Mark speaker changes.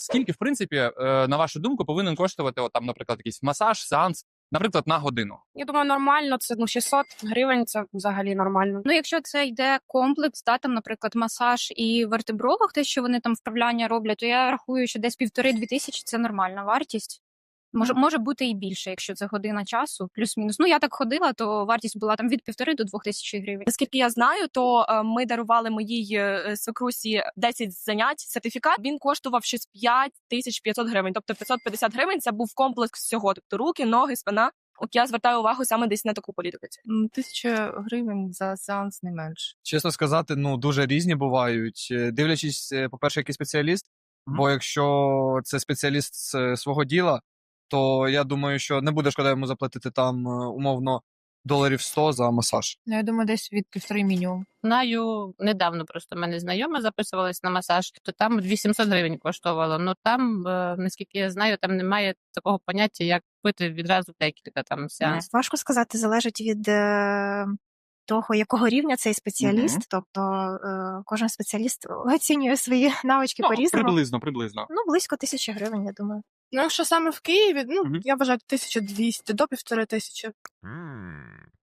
Speaker 1: Скільки, в принципі, на вашу думку, повинен коштувати, от, там, наприклад, якийсь масаж, сеанс, наприклад, на годину?
Speaker 2: Я думаю, нормально, це 600 гривень, це взагалі нормально.
Speaker 3: Ну, якщо це йде комплекс, там, наприклад, масаж і вертебролог, те, що вони там вправляння роблять, то я рахую, що десь 1,5-2 тисячі – це нормальна вартість. Може бути і більше, якщо це година часу, плюс-мінус. Ну, я так ходила, то вартість була там від 1,5 до 2 тисяч гривень.
Speaker 4: Наскільки я знаю, то ми дарували моїй свекрусі 10 занять, сертифікат. Він коштував щось 5500 гривень. Тобто 550 гривень – це був комплекс всього. Тобто руки, ноги, спина. От я звертаю увагу саме десь на таку політику.
Speaker 5: 1000 гривень за сеанс не менше.
Speaker 6: Чесно сказати, дуже різні бувають. Дивлячись, по-перше, який спеціаліст, бо якщо це спеціаліст з свого діла, то я думаю, що не буде шкода йому заплатити там, умовно, $100 за масаж.
Speaker 5: Ну, я думаю, десь від 1,5 мінімум.
Speaker 7: Знаю, недавно просто в мене знайома записувалась на масаж, то там 800 гривень коштувало. Ну там, наскільки я знаю, там немає такого поняття, як купити відразу декілька там сеансів.
Speaker 8: Важко сказати, залежить від того, якого рівня цей спеціаліст. Тобто кожен спеціаліст оцінює свої навички по-різному.
Speaker 1: Приблизно.
Speaker 8: Близько 1000 гривень, я думаю.
Speaker 2: Ну, якщо саме в Києві, я вважаю 1200 до 1500.